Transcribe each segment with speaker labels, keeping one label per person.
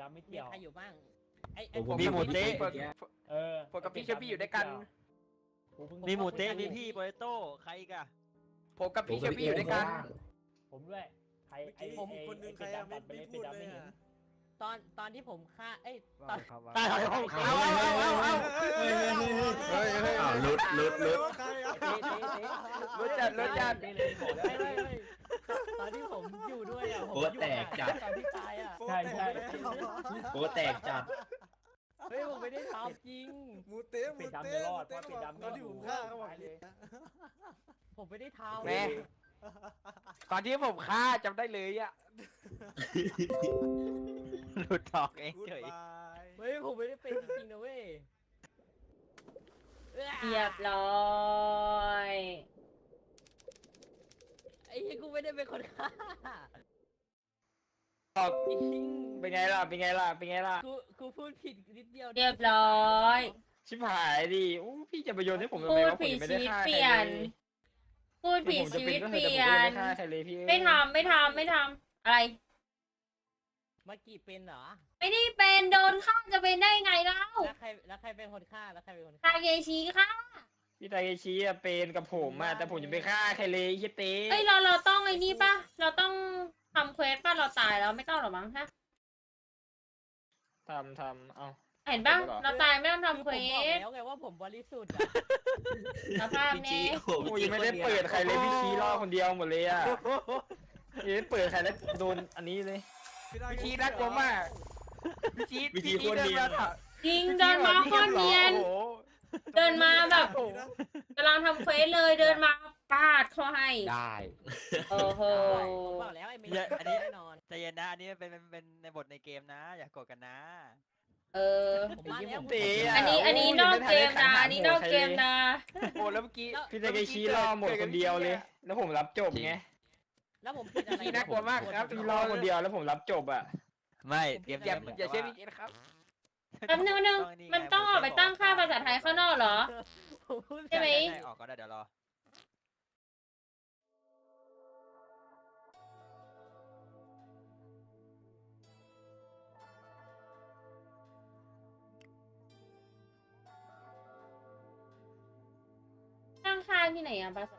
Speaker 1: ไม่
Speaker 2: มี
Speaker 1: เกี่ยว
Speaker 2: ใครอยู่บ้าง
Speaker 3: ผม
Speaker 4: มีหมูเต๊ะ
Speaker 3: ผมกับพี่เชฟพี่อยู่ด้วยกัน
Speaker 4: มีหมูเต๊ะมีพี่โปเตโต้ใครอีกอะ
Speaker 3: ผมกับพี่เชฟพี่อยู่ด้วยกัน
Speaker 1: ผมด้วยใครไอ้
Speaker 5: ผมคนนึงใครอะไม่พูดเลยอะ
Speaker 2: ตอนที่ผมฆ่าตอน
Speaker 4: ตายแล้ว
Speaker 6: อ้าวลุด
Speaker 3: รู้จัก
Speaker 2: ไม่ตอนที่ผมอยู่ด้วยอ่ะผมอยู่ตอนที่ตายอ่ะ
Speaker 1: ใช่
Speaker 6: โป๊แตกจัด
Speaker 2: เฮ้ยผมไม่ได้ทำจริง
Speaker 5: หมูเต๊ะ
Speaker 1: ปิดดำไม่รอดเพราะปิดดำ
Speaker 5: ตอนที่ผมฆ่าเขาบอก
Speaker 1: เลย
Speaker 2: ผมไม่ได้ทำ
Speaker 3: แม่ตอนที่ผมฆ่าจำได้เลยอ่ะ
Speaker 4: หลุดออกเอง
Speaker 5: กูด
Speaker 4: เฉย
Speaker 5: บาย
Speaker 2: เฮ้ยผมไม่ได้เป็นจริงนะเว้ย
Speaker 7: เรียบร้อย
Speaker 2: ไอ้เหี้ยกูไม่ได้เป็นคนฆ่า
Speaker 3: จริงเป็นไงล่ะ
Speaker 2: กูพูดผิดนิดเดียว
Speaker 7: เรียบร้อย
Speaker 3: ชิบหายดิอู้พี่จะไปโยนให้ผมทำ
Speaker 7: พู
Speaker 3: ไม
Speaker 7: ด
Speaker 3: วะผม
Speaker 7: ผิด
Speaker 3: ไม่
Speaker 7: ชี
Speaker 3: ได้
Speaker 7: วิต
Speaker 3: ฆ่า
Speaker 7: เป
Speaker 3: ใคร
Speaker 7: ลี่ย
Speaker 3: เล
Speaker 7: น
Speaker 3: ย
Speaker 7: พูดผิดชีวิตเปลี่ยน
Speaker 3: ไม่ฆ่าใครเลยพี่
Speaker 7: ไม่ทำอะไร
Speaker 2: เมื่อกี้เป็นเหรอ
Speaker 7: ไม่ได้เป็นโดนฆ่าจะเป็นได้ไงเล่า
Speaker 2: แล้วใครเป็นคนฆ่า
Speaker 7: ทาเกชิค่ะ
Speaker 3: พี่ไตาเกชิอะเป็นกับผมอะแต่ผมจะไปฆ่าใครเลยเฮียเต้
Speaker 7: เอ้ยเราต้องไอ้นี่ป่ะเราต้องทำเควสป่ะเราตายแล้วไม่ต้องหรอมั้งฮะ
Speaker 3: ทำเอา
Speaker 7: เห็นป่ะเราตายไม่ต้องทำเคว
Speaker 2: ผมบอก
Speaker 7: ส
Speaker 2: แล้วไงว่าผมบริสุทธิ์อะ
Speaker 7: สภาพ
Speaker 6: พี่
Speaker 7: เนี้
Speaker 6: จี
Speaker 7: ย
Speaker 6: โอ้โห
Speaker 3: โอ้ยยังไม่ได้เปิดใครเลยพี่ชี้ล่อคนเดียวหมดเลยอะยังไม่เปิดใครแล้วโดนอันนี้เลยพี่ชี้น่ากลัวมากพี่ชี้เดินมาถาม
Speaker 7: จริงเดินมาโคตรเนียน
Speaker 3: โอ้โห
Speaker 7: เดินมาแบบกำลังทำเควสเลยเดินมาปาดเขาให้
Speaker 4: ได้
Speaker 7: โอ้โห
Speaker 2: ผมบอกแล้วไอ้เมย์แน่นอน
Speaker 4: ใจเย็นนะอันนี้เป็นในบทในเกมนะ อย่าโกรธกันนะ
Speaker 7: เออ
Speaker 2: ผมมาแล้ว
Speaker 3: เต๋ะ
Speaker 7: อันนี้นอกเกมนะอันนี้นอกเกมนะ
Speaker 3: โอ้แล้วเมื่อกี้พี่ไตาเกชิล่อหมดคนเดียวเลย แล้วผมรับจบไง
Speaker 2: แล้วผมผิดอะไร
Speaker 3: พี่น่ากลัวมากครับพี่ล่อคนเดียวแล้วผมรับจบอะ
Speaker 4: ไม่เกม
Speaker 3: อย่าเชื่อพี่เจนะครับ
Speaker 7: แป๊บนึงมันต้องออกไปตั้งค่าภาษาไทยข้างนอกเหรอ ใช่ไหม
Speaker 4: ออกก็ได้เดี๋ยวรอ
Speaker 7: ตั้งค่าที่ไหนอะภาษา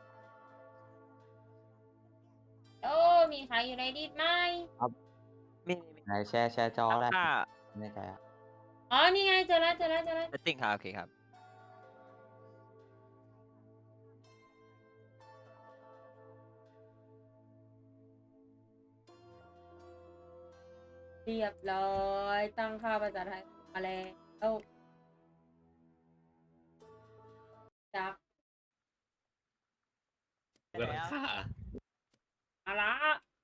Speaker 7: โอ้มีใครอยู่ในดิสไหม
Speaker 4: มี
Speaker 8: ไหนแชร์จอได้
Speaker 4: ค่า
Speaker 8: ไม่ใจอ่ะ
Speaker 7: อ๋อนี่ไงเจอแล้ว
Speaker 4: เซตติ้งครับโอเคครับ
Speaker 7: เรียบร้อยตั้งค่าภาษาไทยมาแล้วจับ
Speaker 6: ก็ฆ่า
Speaker 7: เอาละ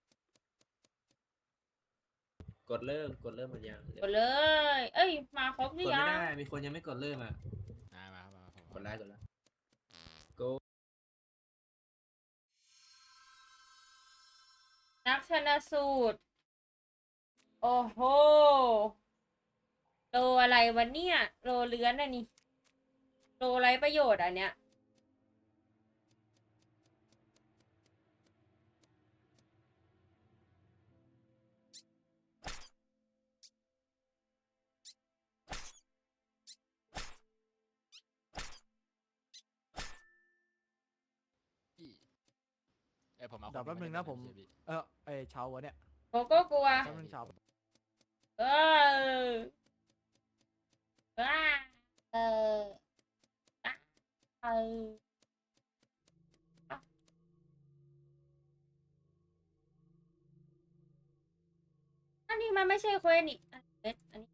Speaker 6: กดเริ่มมันยัง
Speaker 7: กดเลย เอ้ยมาครบห
Speaker 6: ก
Speaker 7: รื
Speaker 6: ด
Speaker 7: อ
Speaker 6: ไม่
Speaker 7: ยัง
Speaker 6: ได้มีคนยังไม่กดเริ่มอ่ะกดแล้ว go
Speaker 7: นักชนสูตร โอ้โหโลอะไรวะเนี่ยโลเลื้อนอะนี่โลไรประโยชน์อันเนี้ย
Speaker 5: เดี๋ยวแป๊บนึงนะผมเช้าวะเนี่ย
Speaker 7: โกโก้กลัว
Speaker 5: แป๊บนึงเช้า
Speaker 7: เออว้าเออเอออันนี้มันไม่ใช่เควสนี่อันนี้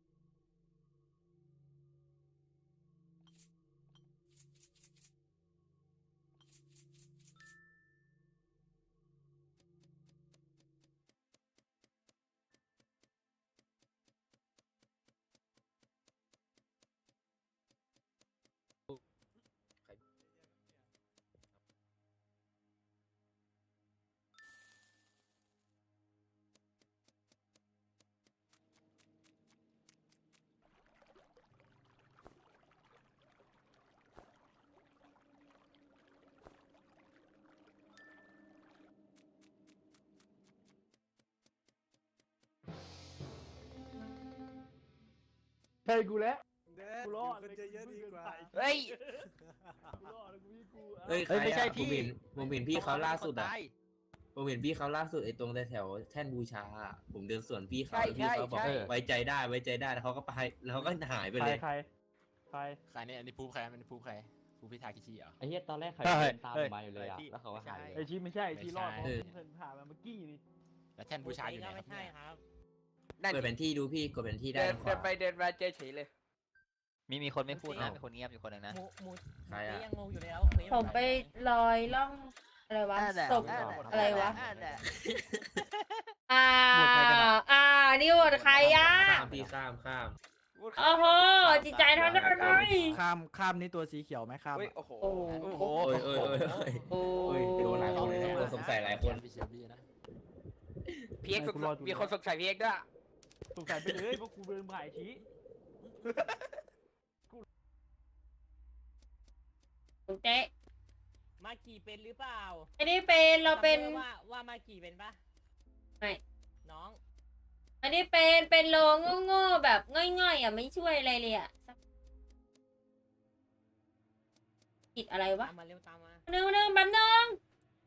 Speaker 1: ใช่กูแล้ว
Speaker 9: แดด
Speaker 1: กู
Speaker 9: อ
Speaker 1: ร
Speaker 9: ยู่
Speaker 1: อด
Speaker 9: คนเยอะๆดีกว่า
Speaker 3: เฮ้ย
Speaker 1: กูรอดแล้วกูพี่กู
Speaker 6: เอ้ยใคร
Speaker 4: ไม่ใช่
Speaker 6: อะ
Speaker 4: พี่
Speaker 6: ผมเห็นพี่เขาล่าสุดอะ
Speaker 4: ตาย
Speaker 6: ผมเห็นพี่เขาล่าสุดไอ้ตรงแถวๆแท่นบูชาอะผมเดินสวนพี่เขา
Speaker 3: ใช่
Speaker 6: แล้วพี่เขาบอก
Speaker 3: ใช่
Speaker 6: ไว้ใจได้ไว้ใจได้แล้วเขาก็ไปแล้วเขาก็หายไป
Speaker 1: ใคร
Speaker 6: เลย
Speaker 1: ใครใคร
Speaker 10: ใครเนี่ยอันนี้พูดใครมันพูดใครพูดพิธาคิชิเหรอ
Speaker 8: ไอ้เหี้ยตอนแรกเขา
Speaker 4: เฮ้ย
Speaker 8: เดินตาม
Speaker 4: เฮ้ย
Speaker 8: มาอยู่เลยอ่ะ แล้วเขาก็หาย
Speaker 1: ไอชีไม่ใช่ไอชีรอดเพราะ
Speaker 6: เออ
Speaker 1: เพิ่งผ่านมาเมื่อกี้นี่
Speaker 10: แล้วแท่นบูชาอยู่ไหนครับ
Speaker 2: ไม่ใช่
Speaker 10: เนี่ย
Speaker 2: ครับ
Speaker 3: นั่น
Speaker 6: เปิดแผนที่ดูพี่กดแผนที่ได้
Speaker 3: เดิน
Speaker 6: ทางข
Speaker 3: เดิน
Speaker 6: วา
Speaker 3: ไปเดินมาเจอเฉยเลย
Speaker 4: มีคนไม่พูดนะมีคนเงียบอยู่คนหนึ่งนะ
Speaker 2: หมู
Speaker 6: ใครอะ
Speaker 2: ยังงงอยู่เลยแล้ว
Speaker 7: ผมไปลอยล่องอะไรวะศพอะไรวะนี่หมดใครอ่ะ
Speaker 6: ข้ามพี่ข้าม
Speaker 7: โอ้โหจิตใจทำได้ไหม
Speaker 5: ข้ามนี่ตัวสีเขียวไหมข้าม
Speaker 3: เฮ้ย
Speaker 5: อะ
Speaker 3: โอ้โห
Speaker 7: โอ้
Speaker 4: โอ้โห
Speaker 6: โอ้ยโอ้ยโดนหลายคนเลยนะโดนสงสัยหลายคน
Speaker 10: พี่เชลบี้นะ
Speaker 3: พีเอ็กซ์มีคนสงสัยพีเอ็กซ์ด้วย
Speaker 1: สงสัยไปเลยเพราะกูเดินผ่านไอ้ชี
Speaker 7: เจ๊
Speaker 2: มากี่เป็นหรือเปล่า
Speaker 7: ไม่ได้เป็นเราเป็น
Speaker 2: ว่ามากี่เป็นปะ
Speaker 7: ไม่
Speaker 2: น้อง
Speaker 7: ไม่ได้เป็นโลโง่ๆแบบง่อยๆอ่ะไม่ช่วยอะไรเลยอ่ะผิดอะไรวะ
Speaker 2: ตามมาเร็วตามมา
Speaker 7: นึงแป๊บนึง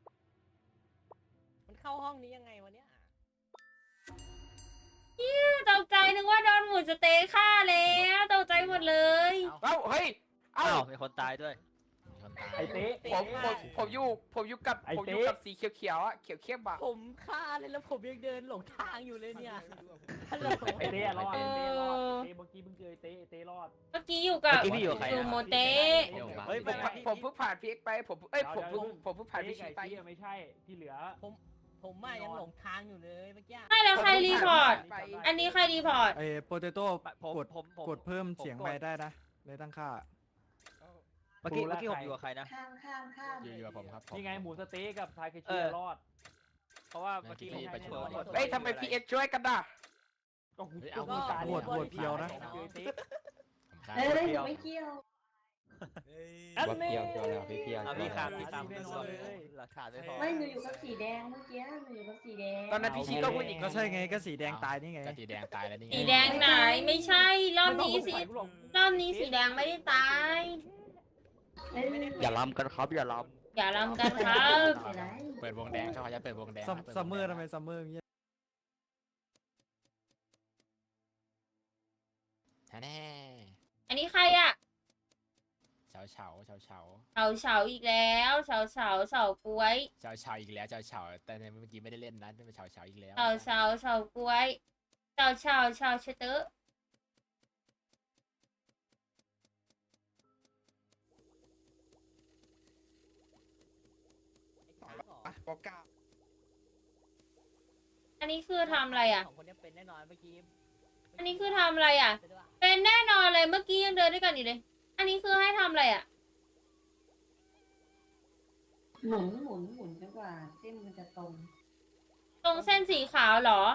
Speaker 2: มันเข้าห้องนี้ยังไงวะเนี่ย
Speaker 7: ตกใจนึกว่าโดนหมูสะเต๊ะฆ่าแล้วตกใจหมดเลย
Speaker 3: เอ้าเฮ้ยเอ้า
Speaker 4: อ้าวมีคนตายด้วย
Speaker 10: มีคนตาย
Speaker 1: ไอเต๊ะ
Speaker 3: ผมอยู่กับสีเขียวๆอ่ะเขียวเข้มอ่ะ
Speaker 2: ผมฆ่าเลยแล้วผมยังเดินหลงทางอยู่เลยเนี่ยฮัลโหล
Speaker 1: ไอเต๊ะรอดไอเต๊ะรอดไอเต๊ะเมื่อกี้มึงเจอไอเต๊ะรอด
Speaker 7: เมื่อกี้อยู่กับ
Speaker 4: เมื่อกี้พี่อยู่กับใครนะ
Speaker 7: โมเต๊ะ
Speaker 4: เฮ้ย
Speaker 3: ผมเพิ่งผ่านพีเอ็กซ์ไปผมเพิ่งผ่านพี
Speaker 1: เต๊ะ
Speaker 3: ชี
Speaker 1: กับ
Speaker 3: ไป
Speaker 1: ไอชีไม่ใช่ที่เหลือ
Speaker 2: ผมยังหลงทางอยู่เลยเมื่อกี้
Speaker 7: ไม่แล้วใครรีพอร์ต
Speaker 3: ไป
Speaker 7: อันนี้ใครรีพอร์ต
Speaker 5: ไอ้โปเตโต้
Speaker 4: ผม
Speaker 5: กดเพิ่มเสียงไปได้นะในตั้งค่า
Speaker 4: เมื่อกี้ผมอยู่กับใครนะ
Speaker 10: อยู่กับผมครับผม
Speaker 1: นี่ไงหมูสะเต๊ะกับทาเค
Speaker 4: เอ
Speaker 1: ชิ
Speaker 4: อ
Speaker 1: รอด
Speaker 4: เพราะว่าเมื่อกี้ผม
Speaker 10: ไปช่วย
Speaker 3: เฮ้ยทำไมพีเอ็กซ์ช่วยกันน่ะ
Speaker 1: ก็กู
Speaker 10: เอา
Speaker 1: กูตาย
Speaker 5: โหวตเพียวนะ
Speaker 1: เจอไอ้เต๊ะ
Speaker 10: ผมฆ่า
Speaker 7: ไม่เกี่ยว
Speaker 9: เฮ้ย
Speaker 1: อัน
Speaker 8: ว่า
Speaker 1: นี้
Speaker 8: เพียวแล้วพี่เพียว
Speaker 4: เอาพี่ครับพี่ตาม
Speaker 1: แน่นอนเลย
Speaker 4: หลักฐานไม่พอ
Speaker 7: ไม่หนูอยู่กับสีแดงเมื่อกี้หนูอยู่กับสีแดง
Speaker 3: ตอนนั้นพีชีก็พูดอีก
Speaker 5: ก็ใช่ไงก็สีแดงตายนี่ไง
Speaker 10: ก็สีแดงตายแล้วนี่ไง
Speaker 7: สีแดงไหนไม่ใช่รอบนี้สิ
Speaker 1: ไม่ต้องสงสัยกูหรอก
Speaker 7: รอบนี้สีแดงไม่ได้ตาย
Speaker 8: อย่าล้ำกันครับอย่าล้
Speaker 7: อย่าลำกันครับ
Speaker 10: เปิดวงแดงเขาจะเปิดวงแดง
Speaker 5: ซัมเมอร์ทำไมซัมเมอร์เงี้ย
Speaker 10: แน่
Speaker 7: อันนี้ใครอ่ะ
Speaker 10: เฉาเฉา
Speaker 7: เฉาอีกแล้วเฉากล้วย
Speaker 10: อีกแล้วเฉาแต่ในเมื่อกี้ไม่ได้เล่นนะเป็นเฉาอีกแล้ว
Speaker 7: เฉากล้วยเฉาเชเตอร์
Speaker 3: ปอกา
Speaker 7: อันนี้คือทำอะไรอ่ะ
Speaker 2: สองคนนี้เป็นแน่นอนเมื่อกี้
Speaker 7: อันนี้คือทำอะไรอ่ะ เป็นแน่นอนเลยเมื่อกี้ยังเดินด้วยกันอยู่เลย อันนี้คือให้ทำอะไรอ่ะ
Speaker 11: หมุนจนกว่าเส้นมันจะตรง
Speaker 7: ตรงเส้นสีขาวเหรอ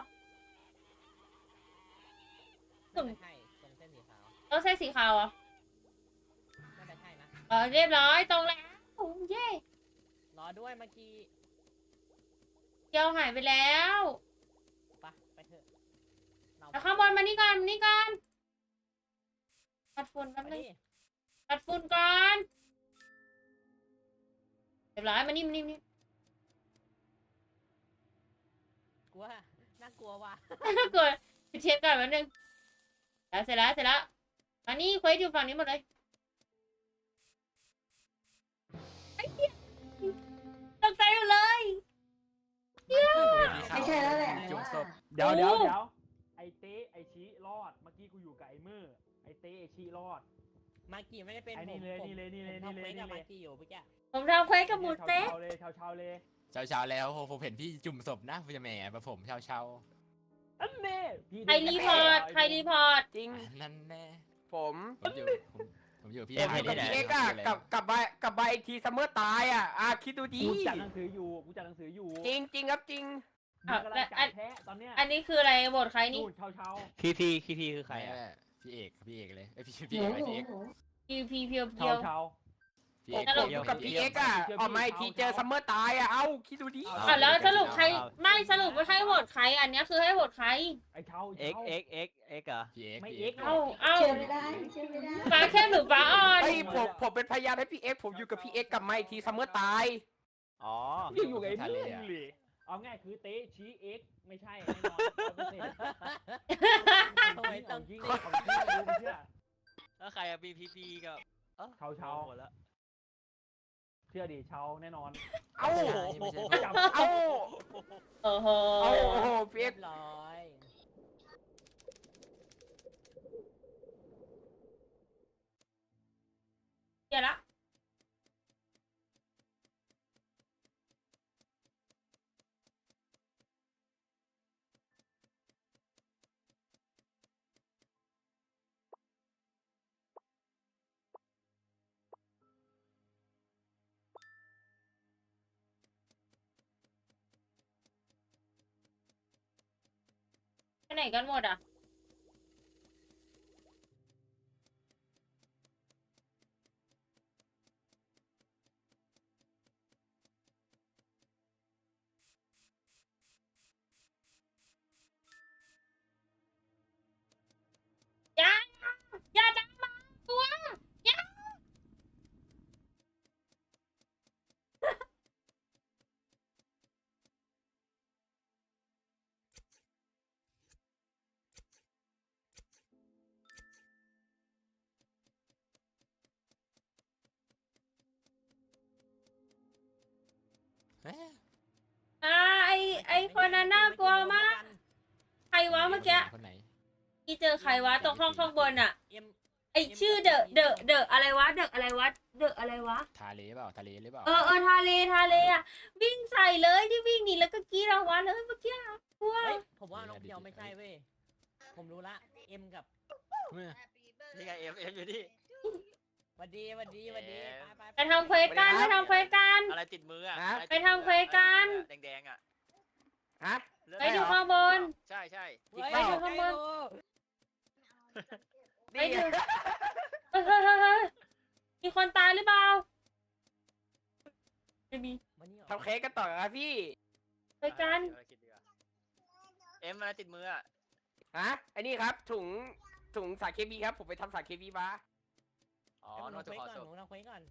Speaker 2: น่าจะใช่ตรงเส้นสีขาว
Speaker 7: ตรงเส้นสีขาวเหรอ
Speaker 2: น่าจะใช่นะ
Speaker 7: เรียบร้อยตรงแล้วเย้
Speaker 2: รอด้วยเมื่อกี้
Speaker 7: เกียวหายไปแล้ว
Speaker 2: ไปเถอะเรา
Speaker 7: แต่ข้างบนมานี่ก่อนปัดฝุ่นแป๊บ
Speaker 2: ไป
Speaker 7: นึง
Speaker 2: ดิ
Speaker 7: ปัดฝุ่นก่อนเรียบร้อยมานี่
Speaker 2: กลัวน่ากลัวว่ะ
Speaker 7: กดเช็คก่อนแป๊บนึงแล้วเสร็จแล้วมานี่เควสอยู่ฝั่งนี้หมดเลยไอ้เหี้ยตกใจหมดเลย
Speaker 11: ไม่ใช่แล้วแหละ
Speaker 10: จุ่ม
Speaker 11: ว่า
Speaker 10: ศพ
Speaker 1: เดี๋ยวไอเต๊ะไอชีรอดเมื่อกี้กูอยู่กับไอมือไอเต๊ะไอชีรอด
Speaker 2: มากี่ไม่ได้เป็น
Speaker 1: ไอ้นี่เลยนี่เลยนี่เลย
Speaker 2: ผม
Speaker 1: นี่เลย
Speaker 2: ทำควสกับ
Speaker 1: นี่เลย
Speaker 2: มากี่อยู่เมื่อกี้
Speaker 7: ผมทำเควสกับหมูเต๊ะ
Speaker 1: เช้าเลย
Speaker 10: เช้าแล้วผมเห็นพี่จุ่มศพนะพี่แหมผมเช้า
Speaker 1: อันนี้พี่
Speaker 7: ใครรีพอร์ต
Speaker 3: จริง
Speaker 10: นั่นแน่
Speaker 3: ผม
Speaker 10: ผมอยู่พี่
Speaker 3: ผมอยู่กับพีเอ็กซ์อ่ะกับใบอีกทีซัมเมอร์ตายอ่ะคิดดูดี
Speaker 1: กูจัดหนังสืออยู่
Speaker 3: จริงครับจริง
Speaker 1: มึงกำลังจัดแพ้ตอนเนี้ย
Speaker 7: อันนี้คืออะไรบทใครนี่
Speaker 1: นู่นเช้า
Speaker 4: คีพีคือใครอ่ะ
Speaker 10: พี่เอกเลยพี่
Speaker 11: หนู
Speaker 10: เอก
Speaker 7: พีเพียว
Speaker 1: เช้า
Speaker 10: พี่เอ็ก
Speaker 7: สรุป
Speaker 3: กับพี่เอ็กอะออกมาอีกทีเจอซัมเมอร์ตายอะเอ้าคิดดูดิ
Speaker 7: อ่ะแล้วสรุปใครไม่สรุปว่าให้โหวตใครอันเนี้ยคือให้โหวตใคร
Speaker 1: ไอ้เช้า
Speaker 4: เอ็กเหรอ
Speaker 10: พี่เอ็ก
Speaker 1: ไม่
Speaker 10: พี่
Speaker 1: เอ็
Speaker 10: เอ็
Speaker 1: ก
Speaker 10: ก
Speaker 1: ซ์
Speaker 7: เอ้า
Speaker 11: เชื่อไม่ได้เชื่อไม่ได้
Speaker 7: ฟ้าเข้มหรือฟ้าอ่อน
Speaker 3: ไอ้ผมเป็นพยานให้พี่เอ็กผมอยู่กับพี่เอ็กกลับมาอีกทีซัมเมอร์ตาย
Speaker 4: อ๋อ
Speaker 1: อยู่กับไอ้เมื่อเลยเอาง่ายคือเตะชี้เอ็กซ์ไม่ใช่แน่นอน100%
Speaker 2: ทำไมต้อง
Speaker 1: จริงของจริงดูไม่เชื่อ
Speaker 4: แล้วใครอะ BPP กับ
Speaker 1: เช้า
Speaker 4: หมดแล้ว
Speaker 1: เชื่อดิเช้าแน่นอน
Speaker 3: เอ้า
Speaker 10: ไม่ใช่
Speaker 1: ไม่จับ
Speaker 3: เอ้า
Speaker 7: โอ้โห
Speaker 3: เอ้าโอ้โหพี่
Speaker 2: เรี
Speaker 3: เอ็
Speaker 2: ย
Speaker 3: ก
Speaker 2: บร้อย
Speaker 7: เดี๋ยวละไปไหนกันหมดอ่ะ อย่าจับมาตัวอย่าไอคนนั้นน่ากลัวมาก ใครวะเมื่อกี้
Speaker 10: คนไหน
Speaker 7: ที่เจอใครวะตรงห้องข้างบนอ่ะ
Speaker 2: เอ็ม
Speaker 7: ไอชื่อเดอะอะไรวะเดอะอะไรวะเดอะอะไรวะ
Speaker 10: ทาเลเปล่าทาเลหรือเปล่า
Speaker 7: ทะเลอ่ะวิ่งใส่เลยที่วิ่งหนีแล้วก็กรีดรางวัลเลยเมื่อกี้กลัว
Speaker 2: เฮ้ยผมว่าน้องเพียวไม่ใช่เว้ยผมรู้ละเอ็มกับ
Speaker 10: เมื่อ
Speaker 4: นี่ไงเอ็มอยู่นี่
Speaker 2: หวัดดีไปไป
Speaker 7: ไปทำเควสกันไปทำเควสกัน
Speaker 4: อะไรติดมืออะ
Speaker 7: ไปทำเควสกัน
Speaker 4: แดงๆอะ
Speaker 3: ฮะ
Speaker 7: ไปดูข้างบน
Speaker 4: ใช่
Speaker 7: ไปดูข้างบน ไป
Speaker 3: นี่
Speaker 7: ดูเฮ้ยมีคนตายหรือเปล่าไม่มี
Speaker 3: ทำเค้กกันต่อครับพี่
Speaker 7: ไปกัน
Speaker 4: เอ็มอะไรติดมืออะ
Speaker 3: ฮะไอ้นี่ครับถุงสารเคมีครับผมไปทำสารเคมีมา
Speaker 4: อ๋อ
Speaker 2: ห
Speaker 4: น
Speaker 2: นู
Speaker 4: อกจาก
Speaker 2: เควส
Speaker 4: ขอ
Speaker 2: ก่อน
Speaker 4: ศพ
Speaker 2: หนูทำเควสก่อน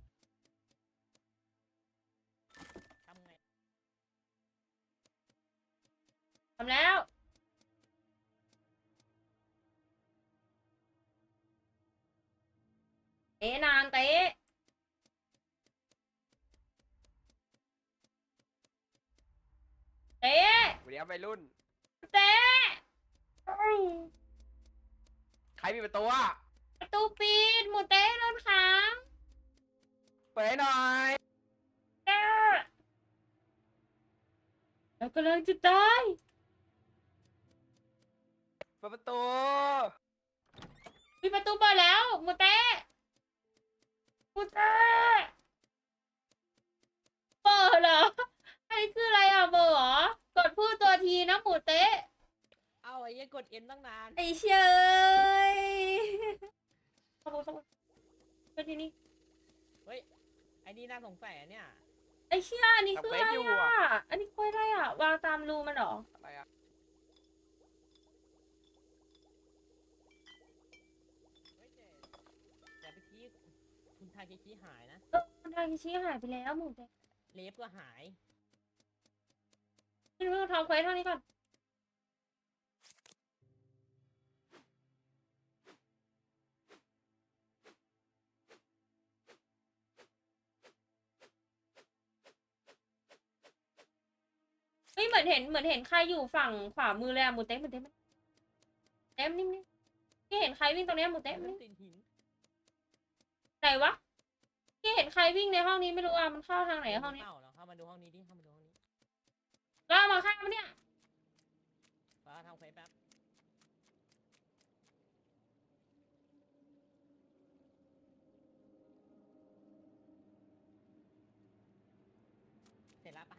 Speaker 2: ทำไง
Speaker 7: ทำแล้วเตะนานเตะเตะ
Speaker 3: สวัสดีครับวัยรุ่น
Speaker 7: เตะ
Speaker 3: ใครมีประตูอ่ะ
Speaker 7: ประตูปิดหมูเตะโดนขัง
Speaker 3: เปิดให้หน่อย
Speaker 7: เตะแล้วกำลังจะตาย
Speaker 3: เปิดประตู
Speaker 7: มีประตูเปิดแล้วหมูเตะหมูเตะเปิดเหรออันนี้คืออะไรอ่ะเบอร์เหรอกดพูดตัวทีนะหมูเตะ
Speaker 2: เอาไอ้ยังกดเอ็มตั้งนาน
Speaker 7: ไอ้เชยขอบคุณเป็นที่นี่
Speaker 2: เฮ้ยไอ้นี่น่าสงสัยอะเนี่ย
Speaker 7: ไอ้เชี่ยอันนี้คืออะไรอ่ะอันนี้คืออะไรอ่ะวางตามรูมันเหรอ
Speaker 3: อะไรอ่ะ
Speaker 2: เฮ้ยแต่เมื่อกี้คุณทาเคชิหายนะ
Speaker 7: ทางชี้หายไปแล้วหมูเตะ
Speaker 2: เลฟก็หาย
Speaker 7: นี่เราทำเควสเท่านี้ก่อนเฮ้ยเหมือนเห็นใครอยู่ฝั่งขวามือเลยอะหมูเต๊ะเต็มนิ่มๆพี่เห็นใครวิ่งตรงเนี้ยหมูเต๊ะ
Speaker 2: มันติดหิน
Speaker 7: ไหนวะพี่เห็นใครวิ่งในห้องนี้ไม่รู้อ่ะมันเข้าทางไหนห้องนี้
Speaker 2: เข้ามาดูห้องนี้ดิเข้ามาดูห้องนี้
Speaker 7: แล้วเอามาฆ่ามันเนี่ย
Speaker 2: ฟ้าทำเควสแป๊บเสร็จแล้วปะ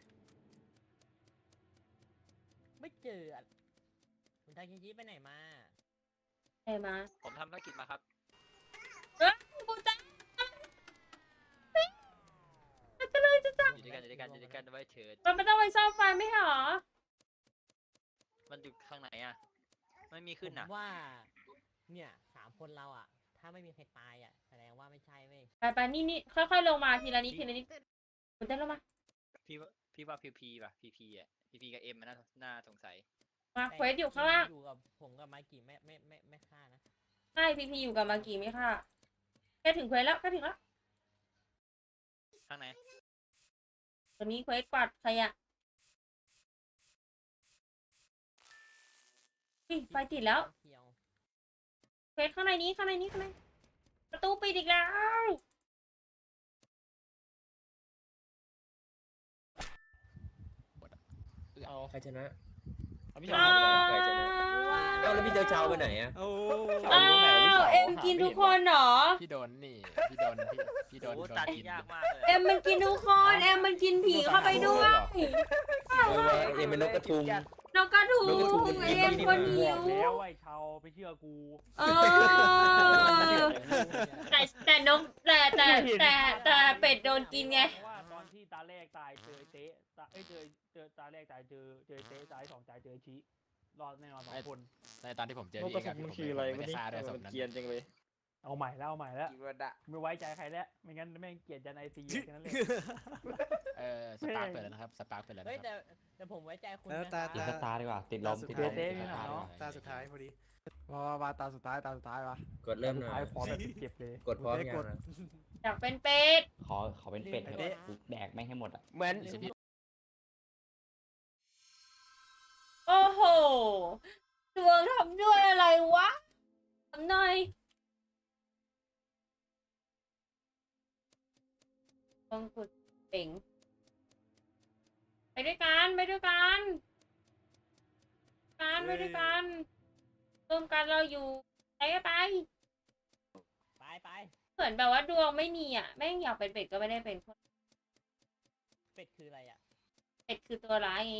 Speaker 2: ไม่เจออะคุณทาเคชิไปไหนมา
Speaker 7: ไหนมา
Speaker 4: ผมทำธุรกิจมาครับ
Speaker 7: หมูเต๊ะ
Speaker 4: ด้วยกันไว้เถิด
Speaker 7: มันไม่ต้องไปซ่อมไฟไม่เหรอ
Speaker 4: มันอยู่ข้างไหนอ่ะไม่มีขึ้น
Speaker 2: ผ
Speaker 4: อ่ะ
Speaker 2: มว่า เนี่ย3 คนเราอ่ะ ถ้าไม่มีใครตายอ่ะ แสดงว่าไม่ใช่เว้ย
Speaker 7: ไปนี่ค่อยๆลงมาทีละนิดมันเต้นลงมา
Speaker 4: พี่ว่าพีป่ะพีอ่ะพีกับเอ็มมันน่าสงสัย
Speaker 7: มาเควสอยู่ข้างล่าง
Speaker 2: อยู่กับผมกับไมกี้ไม่ฆ่านะ
Speaker 7: ใช่พีอยู่กับมากีไหมค่ะแค่ถึงเควสแล้วแค่ถึงแล้ว
Speaker 4: ข้างไหน
Speaker 7: ตัวนี้เควสกวาดขยะไฟติดแล้ว
Speaker 2: เที่ยว
Speaker 7: เควสข้างในนี้ประตูปิดอีกแล้ว
Speaker 6: ใครชนะ
Speaker 3: พี่
Speaker 7: อ้า
Speaker 3: ชาย
Speaker 6: ใครชนะเอ้าแล้วพี่เจ้าไปไหนอะ
Speaker 9: โอ้
Speaker 7: อ้าวเอ็มกินทุกคนเหรอ
Speaker 10: พี่โดนนี่พี่โดนพี่โดน
Speaker 4: โอ้
Speaker 10: โดน
Speaker 4: ตัด
Speaker 10: กิน
Speaker 4: ยากมากเลย
Speaker 7: เอ็มมันกินทุกคนเอ็มมันกินผีเข้าไปด้วย
Speaker 6: เอ็มเป็นนกกระทุง
Speaker 7: นกกระทุง
Speaker 6: นกกระทุงมันกิน
Speaker 7: เอ็มคนหิ
Speaker 1: บ
Speaker 7: ว
Speaker 1: อกแล้วไอ้ชาวไปเชื่อกู
Speaker 7: เออแต่นกแต่เป็ดโดนกินไง
Speaker 1: เพราะว่าตอนที่ตาแรกตายเจอเต๊ะเจอตาแรกตายเจอเต๊ะตาย2ตายเจอชี้รอดแน่นอน2 คน
Speaker 10: ในตอนที่ผมเจอน
Speaker 3: ก
Speaker 10: พี่
Speaker 3: กระ
Speaker 10: เอก
Speaker 3: สุ
Speaker 10: อะ
Speaker 3: น
Speaker 10: พี่
Speaker 3: มัน
Speaker 10: ผม
Speaker 3: คืออะไร
Speaker 10: ไม่
Speaker 3: ไม่
Speaker 10: ได้
Speaker 3: ได้
Speaker 10: ฆ่าด้วยศพ
Speaker 3: มัน
Speaker 10: นั้น
Speaker 3: เกรียนจังเลย
Speaker 1: เอาใหม่แล้ว
Speaker 6: กิวดะ
Speaker 1: ไม่ไว้ใจใครแล้วไม่งั้นแม่งเกลียดยันไอซีแค่นั้นเลย
Speaker 10: สปาร์คเปิดแล้วนะครับสปาร์คเปิดแล้ว
Speaker 2: เฮ้ย
Speaker 10: นะครับ
Speaker 2: แต่ผมไว้ใจคุณ
Speaker 9: แล้ว
Speaker 2: นะ
Speaker 9: ตา
Speaker 8: ติดสตาร์ดีกว่า ติดลม ติดลม
Speaker 1: เต๊ะ
Speaker 8: ติด
Speaker 1: นี่
Speaker 8: ส
Speaker 1: นะ
Speaker 8: ตาร์
Speaker 1: เนาะ
Speaker 9: ตาสุดท้ายพอดี
Speaker 5: มาตาสุดท้ายวะ
Speaker 6: กดเริ่มหน่
Speaker 1: ท้า
Speaker 6: อย ย
Speaker 1: ขอแบบเจ็บเลย
Speaker 6: กดพร้อมยังนะ
Speaker 7: อยากเป็นเป็ด
Speaker 8: ขอเป็นเป็ดเถอะกูแดกไม่งให้หมดอ่ะ
Speaker 3: เหมือน
Speaker 7: โอ้โหดวงทำด้วยอะไรวะทำหน่อยต้องกดเป่งไปด้วยกันร่วมกันเราอยู่ไปก็ไป
Speaker 2: ไป
Speaker 7: เหมือนแบบว่าดวงไม่มีอ่ะแม่งอยากเป็นเป็ดก็ไม่ได้เป็นคน
Speaker 2: เป็ดคืออะไรอ่ะ
Speaker 7: เป็ดคือตัวร้ายไง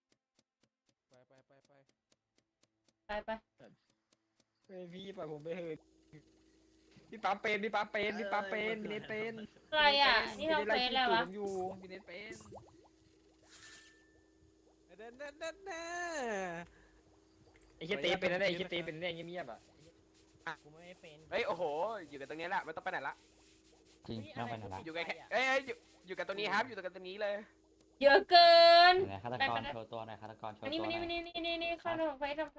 Speaker 7: ไป
Speaker 3: เฮ้ยพี่ปล่อยผมไปเถอะพี่ปั๊มเป็นพี่เนตเป็น
Speaker 7: อะไรอ่ะนี่เราเฟซแล้ววะ
Speaker 3: ผมอยู่พี่เนตเป็น
Speaker 9: เน่
Speaker 3: ไอ้เหี้ยเต้เป็นอะไรไอ้เหี้ยเต้เป็นอะไรเงียบๆอ่ะ
Speaker 2: กูไม่ได้เป็น
Speaker 3: เฮ้ยโอ้โหอยู่กันตรงนี้แหละไม่ต้องไปไหนละ
Speaker 8: จริงไม่ต้องไปไหนละ
Speaker 3: อยู่กันแค่อยู่กันตรงนี้ครับอยู่กันตรงนี้เลย
Speaker 7: เยอะเกิน
Speaker 8: ไหนฆาตกรโชว์ตัวหน่อยฆาตกรโชว์
Speaker 7: อัน
Speaker 8: ตั
Speaker 7: นี้
Speaker 8: วห
Speaker 7: มา
Speaker 8: น่อย
Speaker 7: นี่เข้าทำเฟซ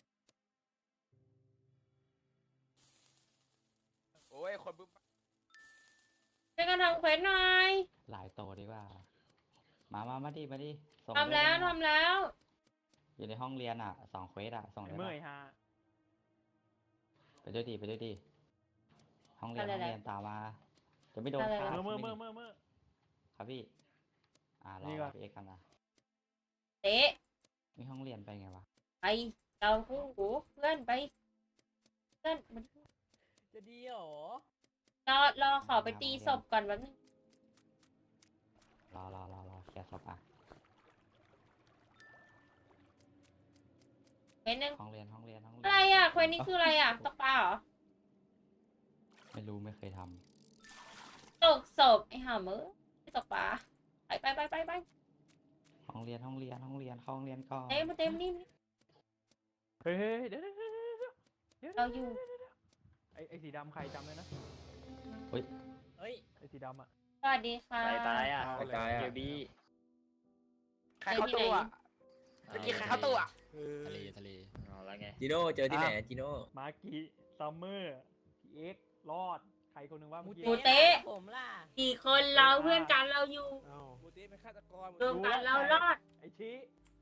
Speaker 3: โอ้ยคนบึ้ม
Speaker 7: ช่วยกันทำเควสหน่อย
Speaker 8: หลายโตดีกว่า มาดิส่ง
Speaker 7: ทำแล้ว
Speaker 8: ด้วยนะ
Speaker 7: ทำแล้ว
Speaker 8: อยู่ในห้องเรียนอ่ะ2 เควสอ่ะ ส่ง
Speaker 1: ไอ้
Speaker 8: ได้
Speaker 1: เมื่
Speaker 8: ปะ
Speaker 1: อยฮะ
Speaker 8: ไปด้วยดิห้องเรียนตามมา จะไม่โดน
Speaker 7: อะไร
Speaker 8: ฆ่าว
Speaker 7: ะ
Speaker 1: เมื่อ
Speaker 8: ครับพี่ ร
Speaker 1: นี่
Speaker 8: อ
Speaker 1: ก่อน
Speaker 8: พี่เอกกันนะ
Speaker 7: เตะ
Speaker 8: มีห้องเรียนไปไงวะ
Speaker 7: ไปเราคู่หูเพื่อนไปเพื่อนมัน
Speaker 2: จะดีเหรอ
Speaker 7: รอขอไปตีศพก่อนแป๊บนึง
Speaker 8: รอเคลียร์ศพอ่ะ
Speaker 7: เควสหนึ่ง
Speaker 8: ห้องเรียน
Speaker 7: อะไรอ่ะเควสนี้คืออะไรอ่ะตกปลาเหรอ
Speaker 8: ไม่รู้ไม่เคยท
Speaker 7: ตกศพไอ้ห่ามือไม่ตกปลาไป
Speaker 8: ำห้องเรียนเข้าห้องเรียนก่อน
Speaker 7: เต็มนี่
Speaker 1: เฮ้ยเดี๋ยว
Speaker 7: เราอยู่
Speaker 1: ไอ้สีดำใครจำเลยนะ
Speaker 2: เฮ้ย
Speaker 1: ไอ้สีดำอ่ะ
Speaker 7: สวัสดีค่ะ
Speaker 3: ตายอ่ะ
Speaker 6: ตาย
Speaker 3: เดี๋
Speaker 6: อ่ะ
Speaker 3: ยวบี้ใครเข้าตู้อ่ะเมื่อกี้ใครเข้าตู้อ่ะ
Speaker 10: ทะเล
Speaker 3: อ๋อแล้วไง
Speaker 6: จิโน่เจอที่ไหนจิโน่
Speaker 1: มากิซัมเมอร์พีเอ็กรอดใครคนหนึ่งว่า
Speaker 2: หมู
Speaker 1: เมื่อกี้
Speaker 7: หมูเต๊ะ
Speaker 2: ผมล่ะ
Speaker 7: กี่คนเราเพื่อนกันเราอยู่
Speaker 9: หมูเต้เป็นฆาตกร
Speaker 7: รวมกันเรารอด
Speaker 1: ไอ้ชี้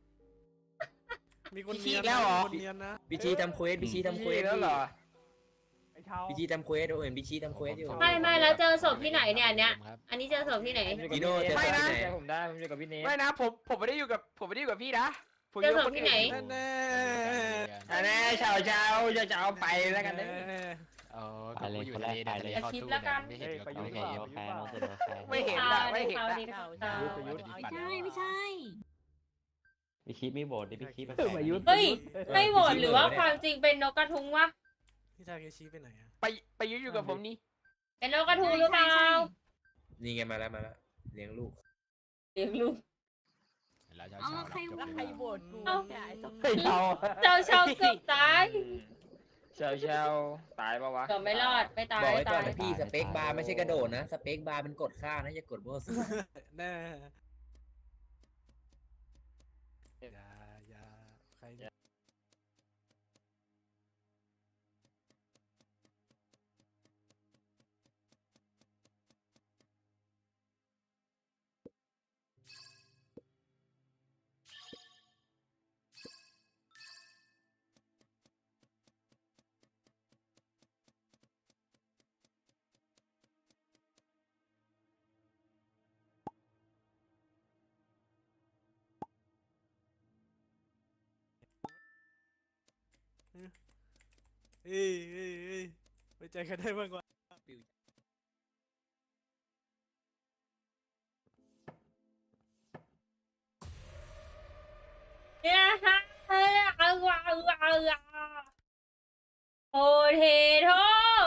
Speaker 9: มีคนเนียนคนเนียนนะ
Speaker 6: พี่ชี้ทำเควสพี่ชี้ทำเควส
Speaker 3: แล้วเหรอ
Speaker 1: ไอ้ชาว
Speaker 6: พี่ชี้ทำเควสเห็นพี่ชี้ทำเควสอยู่
Speaker 7: ไม่แล้วเจอศพที่ไหนเนี่ยอันเนี้ย
Speaker 10: ครับ
Speaker 7: อันนี้เจอศพที่ไหน
Speaker 6: จิโน่เจอ
Speaker 3: ไม่
Speaker 6: ที่
Speaker 3: นะ
Speaker 6: ไหน
Speaker 3: ผมได้ผมอยู่กับพี่เนทไม่นะผมไม่ได้อยู่กับพี่นะผม
Speaker 7: เจอศพที่ไหน
Speaker 9: แน่
Speaker 3: อันนี้ชาวจะเอาไปแล้วกันนะ
Speaker 10: ก็กูอยู่ทะเลเดี๋ยวทะเลเข้าตู้ไม่เห็น
Speaker 1: ไป
Speaker 10: ก็
Speaker 1: ยุ
Speaker 10: กู
Speaker 1: ทธ์
Speaker 10: เห็น
Speaker 1: เปล่า
Speaker 3: ไม่เห็นอะไม่เห็นอะ
Speaker 7: ดีค่ะ
Speaker 11: ไม่ใช่
Speaker 8: พี่คิดไม่โบดดิพี่คิด
Speaker 1: ไปยุทธ์
Speaker 7: เฮ้ยไม่โหวตหรือว่าความจริงเป็นนกกระทุงวะ
Speaker 9: พี่ทาเคชิไปไหนอะ
Speaker 3: ไปอยู่กับผมนี่
Speaker 7: เป็นนกกระทุงหรือเปล่า
Speaker 6: นี่ไงมาแล้วเลี้ยงลูก
Speaker 7: เลี้ยงลูก
Speaker 10: แล้วเช้า
Speaker 11: อ๋อ
Speaker 10: เช้า
Speaker 11: ใคร
Speaker 10: จบ
Speaker 2: แล้ว
Speaker 10: เลย
Speaker 2: ใคร
Speaker 10: นะ
Speaker 2: โหวตกู
Speaker 7: เอ้า
Speaker 2: เนี่ยไอ้สอง
Speaker 1: เฮ้ยเชา
Speaker 7: เจ้าเกือบตาย
Speaker 3: เชาเชาตายปะวะ
Speaker 7: เกือบไม่รอดไม่ตาย
Speaker 6: บอกไว้ก่อ
Speaker 7: ตาน ย
Speaker 6: นะพี่สเปคบาร์ไม่ใช่กระโดดนะสเปคบาร์มันกดค่านะอย่ากดมั่วซั่ว
Speaker 9: แน่อย่าใครเนี่ย เฮ้ยไว้ใจกันได้บ้างวะ
Speaker 7: เนี่ยฮะโอเทโท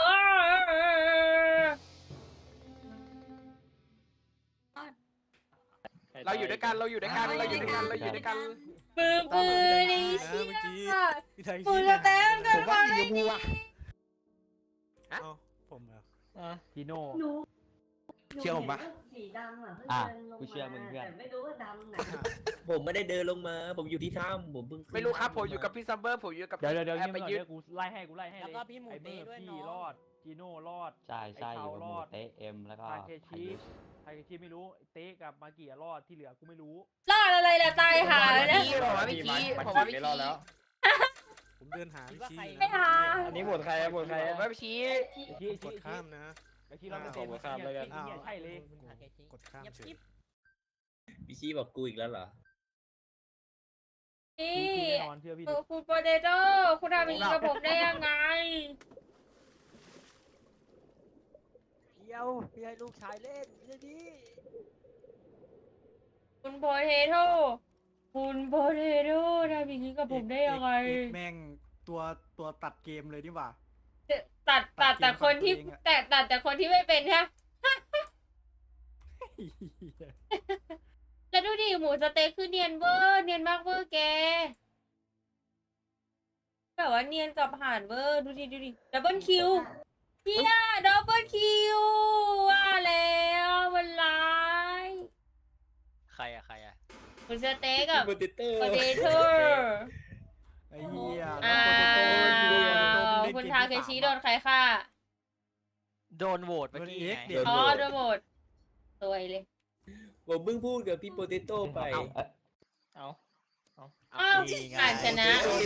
Speaker 3: เราอยู่ด้วยกันเราอยู่ด้วยกันเราอยู่ด้วยกันเราอยู่ด้วยกัน
Speaker 7: มือปืนนี่
Speaker 9: นะ
Speaker 7: เชี่
Speaker 9: เมื่อกี้
Speaker 7: ย
Speaker 9: พี่ไทย
Speaker 7: คุณจะเต้นกันมาได้ดี
Speaker 9: เอ้าผมเหรอ
Speaker 1: จีโน่
Speaker 11: หนู
Speaker 5: เชื่อผมปะ
Speaker 11: หนูเห็นว่าสีดำอ่ะเพิ่ง
Speaker 8: อ่ะ
Speaker 11: เดินลง
Speaker 8: กูเชื่อมึงเพื่อน
Speaker 11: แต่ไม่รู้ว่าดำไหน
Speaker 6: ผมไม่ได้เดินลงมา ผมอยู่ที่ถ้ำผมเพิ่งขึ้น
Speaker 3: ไม่รู้ครับผมอยู่กับพี่ซัมเบอร์ผมอยู่กับ
Speaker 1: เดี๋ยว
Speaker 3: แอ
Speaker 1: เงีย
Speaker 3: บบ ไป
Speaker 1: ก่อน
Speaker 3: ยึด
Speaker 1: เดี๋ยวกูไล่ให้เลย
Speaker 2: แล้วก็พี่หมู
Speaker 1: ไอ้เบอ
Speaker 2: เต้
Speaker 1: ร์
Speaker 2: ด้วย
Speaker 1: พี่
Speaker 2: เนาะ
Speaker 1: รอดจีโน่รอด
Speaker 8: ใช่ใช่อยู่กับหมู
Speaker 1: ไอ้เชารอด
Speaker 8: เตะเอ็มแล้วก็
Speaker 1: ทาเคชิ
Speaker 8: ไคยุ
Speaker 1: ใครที่ไม่รู้เต๊กับมากี่รอดที่เหลือกูไม่รู้
Speaker 7: รอดอะไรล่ะตายหาแล้วนะ
Speaker 3: ผมว่าพี่ชี้ผมว่าพี่ชี้
Speaker 9: ผมเดินหาพี่ชี้อยู่
Speaker 7: ไม่หา
Speaker 3: อันนี้บทใครบทใครว่าพี่ชี้
Speaker 1: ชี้
Speaker 9: กดข้ามนะ
Speaker 1: ชี้เราไม่
Speaker 3: ขอ
Speaker 1: เป็น
Speaker 3: บข้ามแล้วกัน
Speaker 1: เงี้ยใช่เลย
Speaker 9: กดข้ามเฉย
Speaker 6: พี่ชี้บอกกูอีกแล้วเหรอ
Speaker 7: นี่
Speaker 1: ชี้แน่นอนเชื่อพี่ดิ
Speaker 7: คุณโปเตโต้คุณทำอย่างนี้กับผมได้ยังไง
Speaker 2: เดียวพี่ให้ลูกชายเล่นไม่ดี
Speaker 7: คุณโปเตโต้คุณโปเตโต้ทำอย่างนี้กับผมได้ยังไง
Speaker 5: แม่งตัวตัดเกมเลยนี่หว่า
Speaker 7: ตัดแต่คนที่
Speaker 5: ตัดเกมฝั่งตัวเองอะ
Speaker 7: ตัดแต่คนที่ไม่เป็นใช่ไหมแล้วดูดิหมูสเต็กคือเนียนเวอร์เนียนมากเวอร์แกแบบว่าเนียนกับห่านเวอร์ดูดิดับเบิลคิวเฮียดับเบิลคิวว่าแล้วมันร้าย
Speaker 4: ใครอะ
Speaker 7: คุณสเต็กกับ
Speaker 6: โปเตโต้
Speaker 7: โปเตโต้
Speaker 5: ไอ้เหี้ย
Speaker 7: อ้า
Speaker 5: แล้วโปเตโต้
Speaker 7: ว
Speaker 5: เล่น
Speaker 7: คุณ
Speaker 5: เกม
Speaker 7: ทา
Speaker 5: ที่
Speaker 7: เคชิ
Speaker 5: ส
Speaker 7: โด
Speaker 5: ม
Speaker 7: นใครฆ่า
Speaker 4: โดนโหวตเมื่อกี้
Speaker 5: โดน X
Speaker 4: ไง
Speaker 5: เดี๋ยว
Speaker 7: อ๋อโดนหมดสวยเลย
Speaker 6: ผมเพิ่งพูดกับพี่โปเตโต้ไป
Speaker 3: เอา
Speaker 7: อ้าวอ่านชนะ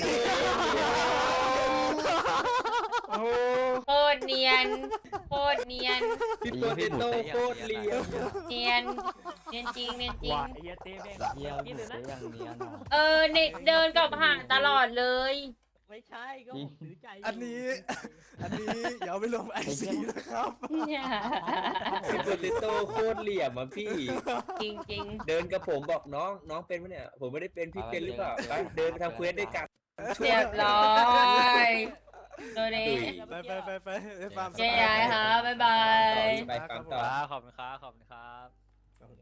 Speaker 3: โอ้โห
Speaker 7: โคตรเนียนโคตรเนียน
Speaker 6: พี่โปเตโต้โคตรเลียม
Speaker 7: เนียนจริง
Speaker 1: ว่าไอ้เหี้ยเต้แม่ง
Speaker 8: เยี่ยม
Speaker 1: กิน
Speaker 8: หมู
Speaker 1: เลยนะ
Speaker 8: เตะอย่างเนี้ยนะ
Speaker 7: เดินกับห่านตลอดเลย
Speaker 2: ไม่ใช่ก็ผมถือใจ
Speaker 5: อันนี้อย่าเอาไปลงไอซีนะครับ
Speaker 6: พี่โปเตโต้โคตรเหลี่ยมอ่ะพี่
Speaker 7: จริง
Speaker 6: เดินกับผมบอกน้องเป็นปะเนี่ย ผมไม่ได้เป็นพี่เป็นหรือเปล่าไปเดินไปทำเควสด้วยกัน
Speaker 7: ๆเรียบร้อยโดเด
Speaker 9: ไปไปฟาร์ม
Speaker 7: เจ๊ยายค่ะบ๊ายบาย
Speaker 6: ไปฟังต่อ
Speaker 4: ขอบคุณครับ